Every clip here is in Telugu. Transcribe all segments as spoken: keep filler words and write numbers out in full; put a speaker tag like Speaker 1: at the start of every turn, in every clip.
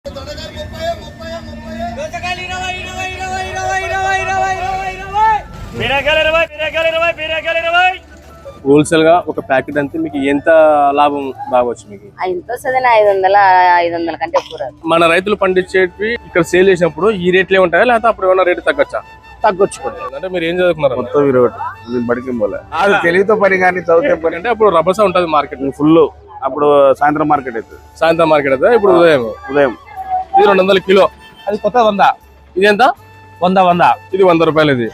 Speaker 1: హోల్సేల్ గా ఒక ప్యాకెట్ అంతే మీకు ఎంత లాభం రావచ్చు? మీకు
Speaker 2: ఎంత వస్తుంది? ఐదు వందల ఐదు వందల కంటే ఎక్కువ రాదు.
Speaker 1: మన రైతులు పండించేవి ఇక్కడ సేల్ చేసినప్పుడు ఈ రేట్లే ఉంటాయా లేకపోతే అప్పుడు ఏమైనా రేటు తగ్గొచ్చా?
Speaker 3: తగ్గొచ్చు.
Speaker 1: అంటే మీరు ఏం చదువుకున్నారు?
Speaker 3: మొత్తం ఇరవై బడికి పోలే అది తెలివితో పని కానీ చదివితే పని
Speaker 1: అంటే అప్పుడు రభస ఉంటది మార్కెట్
Speaker 3: ఫుల్. అప్పుడు సాయంత్రం మార్కెట్ అవుతుంది.
Speaker 1: సాయంత్రం మార్కెట్ అవుతుంది. ఇప్పుడు ఉదయం
Speaker 3: ఉదయం
Speaker 1: ఇది రెండు వందల కిలో.
Speaker 3: అది కొత్త వంద.
Speaker 1: ఇది ఎంత?
Speaker 3: వంద వంద
Speaker 1: ఇది వంద రూపాయలు. ఇది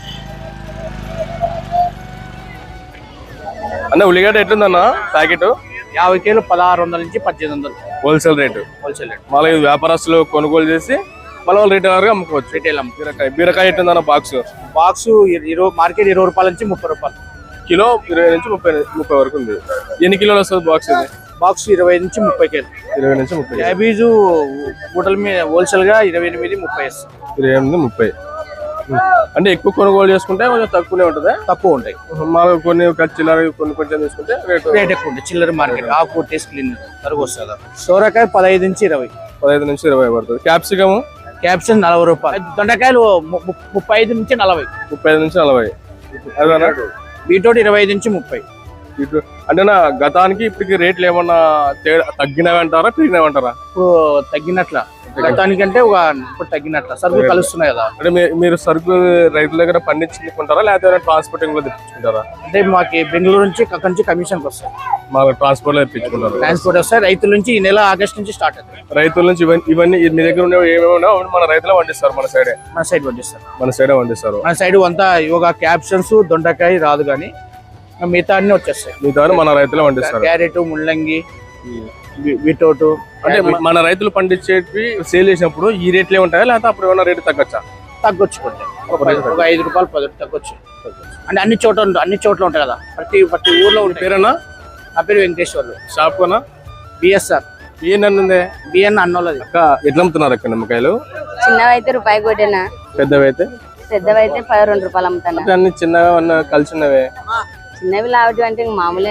Speaker 1: అన్న ఉల్లిగడ్డ ఎట్లుందన్న ప్యాకెట్?
Speaker 3: యాభై కేలు పదహారు వందల నుంచి పద్దెనిమిది వందలు
Speaker 1: హోల్సేల్ రేటు.
Speaker 3: Wholesale rate.
Speaker 1: మళ్ళీ ఇది వ్యాపారస్తులు కొనుగోలు చేసి మళ్ళీ వాళ్ళు రిటైలర్ గా అమ్ముకోవచ్చు.
Speaker 3: రిటైల్
Speaker 1: బీరకాయ బీరకాయ ఎట్లుందన్న బాక్స్?
Speaker 3: బాక్స్ ఇరవై మార్కెట్ ఇరవై రూపాయల నుంచి ముప్పై రూపాయలు
Speaker 1: కిలో. ఇరవై నుంచి ముప్పై ముప్పై వరకు ఉంది. ఎన్ని కిలోలు వస్తుంది బాక్స్? ఇది
Speaker 3: బాక్స్ ఇరవై నుంచి ముప్పై కేలు.
Speaker 1: ఇరవై నుంచి ముప్పై.
Speaker 3: క్యాబేజు హోటల్ మీద హోల్సేల్ గా ఇరవై ఎనిమిది ముప్పై వేస్తాం.
Speaker 1: ఇరవై ఎనిమిది ముప్పై. అంటే ఎక్కువ కొనుగోలు చేసుకుంటే కొంచెం తక్కువనే ఉంటుంది.
Speaker 3: తక్కువ ఉంటాయి.
Speaker 1: మాకు కొన్ని చిల్లర కొన్ని కొంచెం తీసుకుంటే రేటు
Speaker 3: రేట్ ఎక్కువ ఉంటుంది. చిల్లర మార్కెట్ ఆకు టేస్ట్ క్లీన్ తరుగు వస్తుంది. సోరకాయ పదహైదు నుంచి ఇరవై.
Speaker 1: పదహైదు నుంచి ఇరవై పడుతుంది. క్యాప్సికమ్
Speaker 3: క్యాప్సికం నలభై రూపాయలు. దొండకాయలు ముప్పై ఐదు నుంచి నలభై.
Speaker 1: ముప్పై ఐదు నుంచి నలభై.
Speaker 3: బీట్రూట్ ఇరవై ఐదు నుంచి ముప్పై.
Speaker 1: అంటే నా గతానికి ఇప్పటికి రేట్లు ఏమన్నా తగ్గినవి అంటారా పెరిగినవి అంటారా?
Speaker 3: ఇప్పుడు తగ్గినట్ల. గతానికంటే ఒక ఇప్పుడు తగ్గినట్ల. సరుకులు కలుస్తున్నాయి కదా.
Speaker 1: అంటే మీరు సరుకు రైతుల దగ్గర పండించుకుంటారా లేకపోతే ట్రాన్స్పోర్టింగ్ లో తెప్పించుకుంటారా?
Speaker 3: అంటే మాకు బెంగళూరు నుంచి అక్కడి నుంచి కమిషన్ వస్తాయి.
Speaker 1: మాకు ట్రాన్స్పోర్ట్ లో తెప్పించుకుంటారు.
Speaker 3: ట్రాన్స్పోర్ట్ వస్తాయి. రైతుల నుంచి ఈ నెల ఆగస్ట్ నుంచి స్టార్ట్ అవుతుంది.
Speaker 1: రైతుల నుంచి ఇవన్నీ మీ దగ్గర ఉన్నవి ఏమేమి ఉన్నాయో మన రైతులే పండిస్తారు. మన సైడే
Speaker 3: మన సైడ్ పండిస్తారు.
Speaker 1: మన సైడే పండిస్తారు.
Speaker 3: మన సైడ్ అంతా యోగా క్యాప్షన్స్ దొండకాయ రాదు కానీ మిగతా అన్ని వచ్చేస్తాయి.
Speaker 1: మిగతా మన రైతులే పండిస్తారు.
Speaker 3: క్యారెట్ ముల్లంగి బీట్రూట్.
Speaker 1: అంటే మన రైతులు పండించేవి సేల్ చేసినప్పుడు ఈ రేట్లే ఉంటాయా లేకపోతే అప్పుడు ఏమైనా రేటు తగ్గొచ్చా?
Speaker 3: తగ్గొచ్చు. ఒక ఐదు రూపాయలు పది తగ్గొచ్చు. అంటే అన్ని చోట్ల అన్ని చోట్ల ఉంటాయి కదా. ప్రతి ప్రతి ఊర్లో ఉంటాయి.
Speaker 1: పేరేనా?
Speaker 3: నా పేరు వెంకటేశ్వర్లు.
Speaker 1: షాప్ కొనా?
Speaker 3: బిఎస్ఆర్.
Speaker 1: బిఎన్ ఉంది.
Speaker 3: బిఎన్ అన్నోళ్ళది.
Speaker 1: అక్క ఎట్లా అమ్ముతున్నారు అక్కడ నిమ్మకాయలు?
Speaker 2: చిన్నవి అయితే రూపాయి కొట్టేనా,
Speaker 1: పెద్దవి అయితే
Speaker 2: పెద్దవి అయితే పది రెండు రూపాయలు అమ్ముతాను.
Speaker 1: అన్ని చిన్నగా కలిసి ఉన్నవే.
Speaker 2: చిన్నవి లావటి అంటే మామూలే.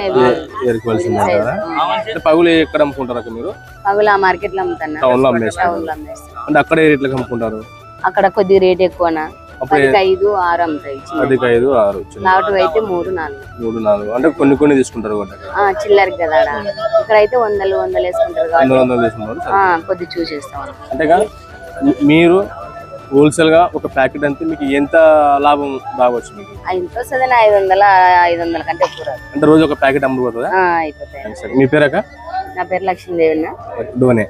Speaker 1: పగులు ఎక్కడ అమ్ముకుంటారు అక్కడ మీరు?
Speaker 2: పగులు ఆ మార్కెట్ లో అమ్ముతాను.
Speaker 1: టౌన్ లో అమ్మేస్తారు. అంటే అక్కడ ఏ రేట్లకు అమ్ముకుంటారు?
Speaker 2: అక్కడ కొద్ది రేట్ ఎక్కువనా, పదికి ఐదు ఆరు అమ్ముతాయి.
Speaker 1: పదికి ఐదు ఆరు.
Speaker 2: లావటి అయితే మూడు నాలుగు.
Speaker 1: మూడు నాలుగు అంటే కొన్ని కొన్ని తీసుకుంటారు
Speaker 2: చిల్లర కదా. ఇక్కడ అయితే వందలు వందలు వేసుకుంటారు కాబట్టి కొద్ది చూసేస్తాం.
Speaker 1: అంతేగా మీరు హోల్సేల్ గా ఒక ప్యాకెట్ అంతే మీకు ఎంత లాభం రావచ్చు? మీకు
Speaker 2: ఎంత వస్తుంది? ఐదు వందల ఐదు వందల కంటే ఎక్కువ రాదు.
Speaker 1: అంటే రోజు ఒక ప్యాకెట్ అమ్ముడుపోతుందా?
Speaker 2: అయిపోతాయి.
Speaker 1: మీ పేరు అక్క?
Speaker 2: నా పేరు లక్ష్మీదేవి.
Speaker 1: డోనే.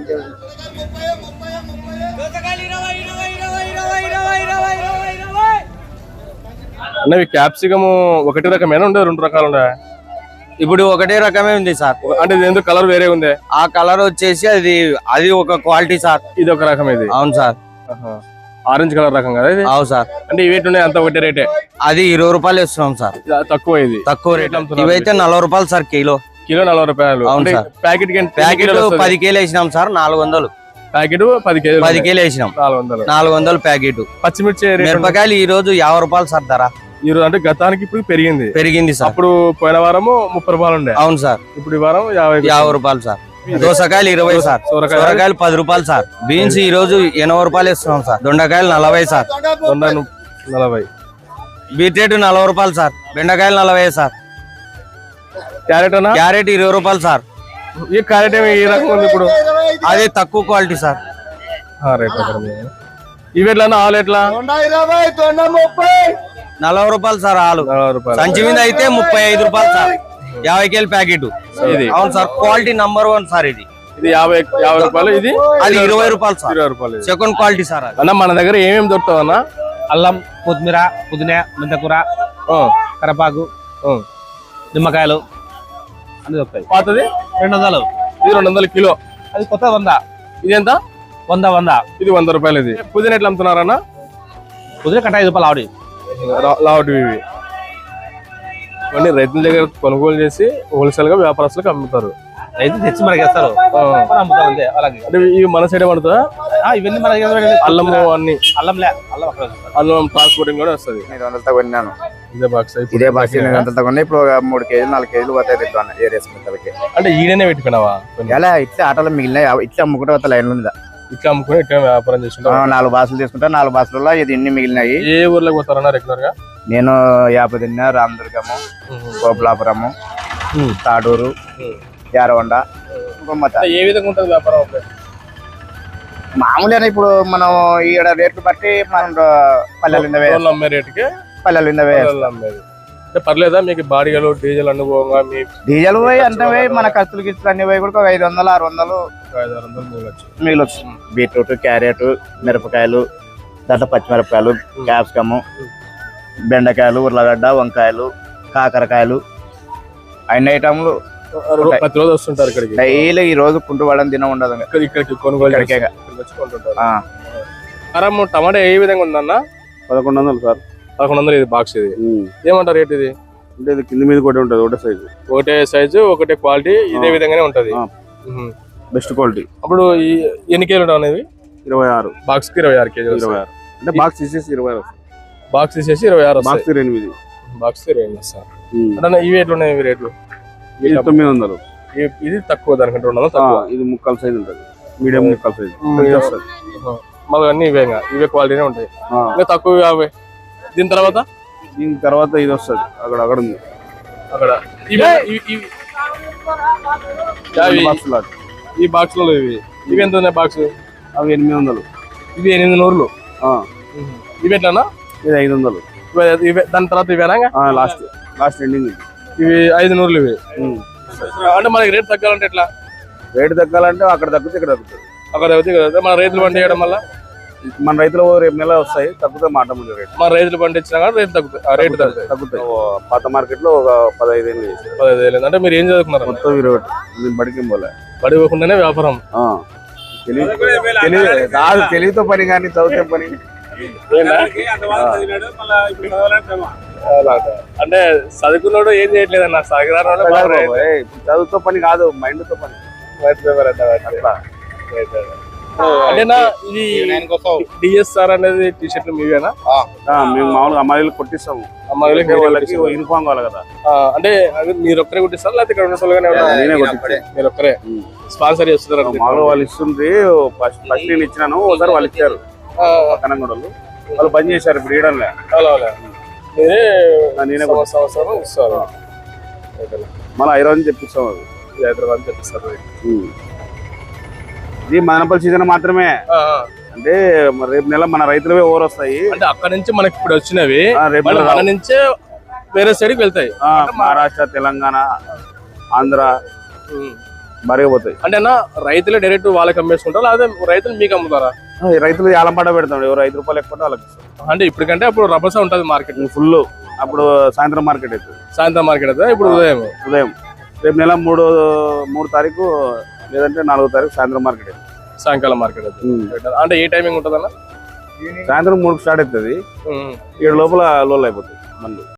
Speaker 1: అన్నవి క్యాప్సికమ్ ఒకటి రకమేనా ఉండే రెండు రకాలు ఉండే?
Speaker 4: ఇప్పుడు ఒకటే రకమే ఉంది సార్.
Speaker 1: అంటే ఇది ఎందుకు కలర్ వేరే ఉంది?
Speaker 4: ఆ కలర్ వచ్చేసి అది అది ఒక క్వాలిటీ సార్.
Speaker 1: ఇది ఒక రకం. ఇది
Speaker 4: అవును సార్.
Speaker 1: ఆరెంజ్ కలర్ రకం కదా ఇది?
Speaker 4: అవును సార్.
Speaker 1: అంటే ఇవేటి ఉన్నాయి అంత ఒకటే రేటే?
Speaker 4: అది ఇరవై రూపాయలు ఇస్తున్నాం సార్.
Speaker 1: తక్కువ. ఇది
Speaker 4: తక్కువ రేట్. ఇవైతే నలభై రూపాయలు సార్ కిలో.
Speaker 1: కిలో నలభై రూపాయలు.
Speaker 4: అవును సార్.
Speaker 1: ప్యాకెట్
Speaker 4: ప్యాకెట్ పది కేలు వేసినాం సార్. నాలుగు వందలు
Speaker 1: ప్యాకెట్. పది కేజీ
Speaker 4: పది కేలు వేసినాం.
Speaker 1: నాలుగు వందలు
Speaker 4: నాలుగు వందలు ప్యాకెట్.
Speaker 1: పచ్చిమిర్చి
Speaker 4: మిరపకాయలు ఈ రోజు యాభై రూపాయలు సార్ ధర.
Speaker 1: ఈ రోజు అంటే గతానికి ఇప్పుడు పెరిగింది.
Speaker 4: పెరిగింది సార్.
Speaker 1: అప్పుడు పోయిన వారము ముప్పై రూపాయలు ఉండే.
Speaker 4: అవును సార్.
Speaker 1: ఇప్పుడు ఈ వారం యాభై
Speaker 4: యాభై రూపాయలు సార్. దోసకాయలు ఇరవై సార్. సొరకాయలు పది రూపాయలు సార్. బీన్స్ ఈ రోజు ఎనభై రూపాయలు ఇస్తున్నాం సార్. దొండకాయలు నలభై సార్.
Speaker 1: దొండ నలభై.
Speaker 4: బీట్రూట్ నలభై రూపాయలు సార్. బెండకాయలు నలభై సార్.
Speaker 1: క్యారెట్ అన్న?
Speaker 4: క్యారెట్ ఇరవై రూపాయలు సార్.
Speaker 1: ఈ క్యారెట్ ఏమి ఈ రకం ఉంది ఇప్పుడు?
Speaker 4: అది తక్కువ క్వాలిటీ సార్.
Speaker 1: ఇవి ఎట్లా ఆలు ఎట్లా?
Speaker 4: నలభై రూపాయలు సార్ ఆలు. సంచి మీద అయితే ముప్పై ఐదు రూపాయలు సార్. యాభై కేలు ప్యాకెట్ ఇది. అవును sir. Quality number one sir. ఇది
Speaker 1: ఇది యాభై యాభై రూపాయలు. ఇది
Speaker 4: అది ఇరవై రూపాయలు సార్.
Speaker 1: ఇరవై రూపాయలు
Speaker 4: సెకండ్ క్వాలిటీ సార్.
Speaker 1: అన్న మన దగ్గర ఏమేమి దొరుకుతావు అన్న?
Speaker 3: అల్లం, కొత్తిమీర, పుదీనా, మెంతకూర, కరపాకు, నిమ్మకాయలు అన్ని దొరుకుతాయి.
Speaker 1: పాతది
Speaker 3: రెండు వందలు.
Speaker 1: ఇది రెండు వందల కిలో.
Speaker 3: అది కొత్త వంద.
Speaker 1: ఇది ఎంత?
Speaker 3: వంద వంద.
Speaker 1: ఇది వంద రూపాయలు. ఇది పుదీనా ఎట్లా అమ్ముతున్నారన్న?
Speaker 3: పుదీనా కట్ట ఐదు రూపాయలు. ఆవిడ
Speaker 1: లావటివి ఇవి ఇవన్నీ రైతుల దగ్గర కొనుగోలు చేసి హోల్సేల్ గా వ్యాపారస్తులకు అమ్ముతారు.
Speaker 3: రైతు తెచ్చి మనకి వేస్తారు.
Speaker 1: అంటే ఇవి మన సైడ్ పడుతుందా?
Speaker 3: ఇవన్నీ మన
Speaker 1: అల్లము అన్ని?
Speaker 3: అల్లంలే. అల్లం
Speaker 1: అల్లం ట్రాన్స్పోర్టింగ్ కూడా వస్తుంది.
Speaker 5: ఐదు వందలతో కొన్నాను.
Speaker 1: ఇదే బాక్స్.
Speaker 5: ఇదే బాక్స్ ఐదు వందలతో కొన్నా. ఇప్పుడు మూడు కేజీలు నాలుగు కేజీలు పోతాయి.
Speaker 1: అంటే ఈడనే పెట్టుకున్నావా?
Speaker 5: ఎలా ఇట్లా ఆటోలో మిగిలిన ఇట్లా అమ్ముకుంటే లైన్ మీద
Speaker 1: ఇట్లా అమ్ముకుని ఇట్లా వ్యాపారం
Speaker 5: ఆ,
Speaker 1: చేస్తుంటారు.
Speaker 5: నాలుగు బాసులు తీసుకుంటా నాలుగు బాసులలో ఇది ఇన్ని మిగిలినాయి.
Speaker 1: ఏ ఊర్లోకి పోతారన్నా రెగ్యులర్ గా?
Speaker 5: నేను యాపదిన్న, రామదుర్గము, గోపులాపురము, తాడూరు, యారవండ, గుమ్మత.
Speaker 1: ఏ విధంగా ఉంటుంది వ్యాపారం అప్పుడు?
Speaker 5: మామూలుగా ఇప్పుడు మనం ఈడ రేట్లు బట్టి మనం పల్లెలు ఇందవే
Speaker 1: రోజులు అమ్మే రేటుకి
Speaker 5: పల్లెలు ఇందవే
Speaker 1: రోజులు అమ్మేది. అంటే పర్లేదా మీకు బాడిగలు డీజిల్ అనుభవంగా మీ
Speaker 5: డీజిల్ పోయి అంత పోయి మన ఖర్చులు గిచ్చులు అన్ని పోయి కూడా ఒక ఐదు వందలు ఆరు వందలు
Speaker 1: ఐదు ఆరు వందలు మిగలొచ్చు.
Speaker 5: మిగిలొచ్చు. బీట్రూట్, క్యారెట్, మిరపకాయలు, దాంట్లో పచ్చిమిరపకాయలు, క్యాప్సికము, బెండకాయలు, ఉర్లగడ్డ, వంకాయలు, కాకరకాయలు, అన్ని ఐటమ్లు
Speaker 1: ప్రతిరోజు వస్తుంటారు ఇక్కడికి.
Speaker 5: డైలీ ఈ రోజు కుంటు పడని దినం ఉండదు.
Speaker 1: ఇక్కడ ఇక్కడికి కొనుగోలు
Speaker 5: ఇక్కడికే.
Speaker 1: చేస్తారు. ఇక్కడికి వచ్చి కొంటుంటారు.
Speaker 5: ఆ,
Speaker 1: కారం టమాటా ఏ విధంగా ఉందన్న?
Speaker 6: పదకొండు వందలు సార్.
Speaker 1: పదకొండు వందలు ఇది బాక్స్. ఇది ఏమంటారు రేట్? ఇది
Speaker 6: అంటే ఇది కింద మీద కూడా ఉంటుంది ఒకటే సైజు.
Speaker 1: ఒకటే సైజు ఒకటే క్వాలిటీ ఇదే విధంగానే ఉంటది.
Speaker 6: ఆ.
Speaker 1: ఉహు.
Speaker 6: Best quality.
Speaker 1: అప్పుడు ఈ ఎన్ని కేజీలు ఉంటాయి అనేవి?
Speaker 6: ఇరవై ఆరు
Speaker 1: బాక్స్ కి ఇరవై ఆరు కేజీలు.
Speaker 6: ఇరవై ఆరు అంటే బాక్స్ తీసేసి ఇరవై ఆరు
Speaker 1: బాక్స్ తీసేసి ఇరవై ఆరు
Speaker 6: బాక్స్ ఎనిమిది
Speaker 1: బాక్స్ ఇరవై ఎనిమిది సార్. అంటే ఇవి ఎట్లా ఉన్నాయి ఇవి రేట్లు?
Speaker 6: ఇది తొమ్మిది వందలు.
Speaker 1: ఇ- ఇది తక్కువ దానికంటే రెండు వందలు
Speaker 6: ఆ,
Speaker 1: తక్కువ.
Speaker 6: ఇది ముక్కల సైజ్ ఉంటుంది. మీడియం ముక్కల సైజ్ వస్తుంది.
Speaker 1: ఉహు. మళ్ళీ అన్ని ఇవే ఇంకా ఇవే క్వాలిటీనే ఉంటాయి.
Speaker 6: ఆ,
Speaker 1: ఇంకా తక్కువ యాభై. దీని తర్వాత
Speaker 6: దీని తర్వాత ఇది వస్తుంది. అక్కడ అక్కడ ఉంది
Speaker 1: అక్కడ ఇవి ఇవి- ఇవి- యాభై.
Speaker 6: Box lot.
Speaker 1: ఈ బాక్స్ లో ఇవి ఇవి ఎంత ఉన్నాయి బాక్స్?
Speaker 6: అవి ఎనిమిది వందలు.
Speaker 1: ఇవి ఎనిమిది నూరులు.
Speaker 6: ఆ,
Speaker 1: ఇవి ఎట్లానా?
Speaker 6: ఇది ఐదు వందలు.
Speaker 1: ఇవి- ఇవే దాని తర్వాత ఇవేనా?
Speaker 6: లాస్ట్ లాస్ట్ ఎండింగ్ ఇది.
Speaker 1: ఇవి ఐదు నూరులు ఇవి. అంటే మనకి రేట్ తగ్గాలంటే ఎట్లా?
Speaker 6: రేటు తగ్గాలంటే అక్కడ తగ్గితే ఇక్కడ తగ్గుతుంది.
Speaker 1: అక్కడ అయితే ఇక్కడ మన రైతులు పండి చేయడం వల్ల
Speaker 6: మన రైతులు రేపు నెల వస్తాయి, తగ్గుతాయి మాట ముందు రేటు.
Speaker 1: మన రైతులు పండించినా కానీ రేట్ తగ్గుతాయి. ఆ రేటు తగ్గుతాయి.
Speaker 6: తగ్గుతాయి. ఓ, పాత మార్కెట్ లో ఒక పదహైదు ఏళ్ళు చేశారు.
Speaker 1: పదహైదు వేలు. అంటే మీరు ఏం చదువుకున్నారు?
Speaker 6: మొత్తం ఇరవై ఒకటి. నేను బడికి పోలే.
Speaker 1: బడి పోకుండానే వ్యాపారం.
Speaker 6: ఆ, తెలివి తెలివి కాదు, తెలివితో పని కానీ చదివితే పని.
Speaker 1: అలాగా. అంటే చదువుకున్నాడు ఏం చేయట్లేదు అన్న. సాగరాడు
Speaker 6: ఏయ్, చదువుతో పని కాదు, మైండ్ తో పని. అట్లా.
Speaker 1: అంటేనా ఇది డిఎస్ఆర్ అనేది టీ షర్ట్లు మీవేనా?
Speaker 6: ఆ, మేము మామూలుగా అమ్మాయిలు కొట్టిస్తాము.
Speaker 1: అమ్మాయిలకి
Speaker 6: అంటే వాళ్ళకి యూనిఫామ్ కావాలి కదా.
Speaker 1: ఆ, అంటే అది మీరు ఒక్కరే కుట్టిస్తారా లేకపోతే ఇక్కడ ఉన్న వాళ్ళగానే ఉన్నారా?
Speaker 6: నేనే కొట్టించాను.
Speaker 1: మీరు ఒక్కరే స్పాన్సర్ చేస్తున్నారు?
Speaker 6: మామూలుగా వాళ్ళు ఇస్తుంది. ఫస్ట్ ఫస్ట్ నేను ఇచ్చినాను, ఒకసారి వాళ్ళు ఇచ్చారు కనంగూడలు. వాళ్ళు బంద్ చేశారు ఇప్పుడు ఇయడంలే.
Speaker 1: మీరే
Speaker 6: నేనే
Speaker 1: సంవత్సరం సంవత్సరం ఇస్తారు.
Speaker 6: మళ్ళీ హైదరాబాద్ తెప్పిస్తాం. అది
Speaker 1: హైదరాబాద్ తెప్పిస్తారు.
Speaker 6: ఉమ్. ఇది మదనపల్లి సీజన్ మాత్రమే.
Speaker 1: ఆ, ఆ.
Speaker 6: అంటే మరి రేపు నెల మన రైతులవే ఓవర్ వస్తాయి.
Speaker 1: అంటే అక్కడ నుంచి మనకి ఇప్పుడు వచ్చినవి
Speaker 6: ఆ, రేపు
Speaker 1: మళ్ళీ
Speaker 6: నెల
Speaker 1: మన నుంచే వేరే సైడ్కి వెళ్తాయి.
Speaker 6: ఆ, మహారాష్ట్ర, తెలంగాణ, ఆంధ్ర మరిగా పోతాయి.
Speaker 1: అంటే అన్న రైతులే డైరెక్ట్ వాళ్ళకి అమ్మేసుకుంటారా లేకపోతే రైతులు మీకు అమ్ముతారా?
Speaker 6: ఆ, ఈ రైతులు ఏలంపాట పెడతాం. ఎవరు ఐదు రూపాయలు ఎక్కువ వాళ్ళకి ఇస్తాం.
Speaker 1: అంటే ఇప్పటికంటే అప్పుడు రభస ఉంటది మార్కెట్.
Speaker 6: ఫుల్. అప్పుడు సాయంత్రం మార్కెట్ అవుతుంది.
Speaker 1: సాయంత్రం మార్కెట్ అయితే ఇప్పుడు ఉదయం.
Speaker 6: ఉదయం రేపు నెల మూడు మూడు తారీఖు లేదంటే నాలుగో తారీఖు సాయంత్రం మార్కెట్ అవుతుంది.
Speaker 1: సాయంకాలం మార్కెట్ అయితే అంటే ఏ టైమింగ్ ఉంటదన్న?
Speaker 6: సాయంత్రం మూడుకు స్టార్ట్ అవుతుంది. ఏడు లోపల లోల్ అయిపోతుంది మళ్ళీ.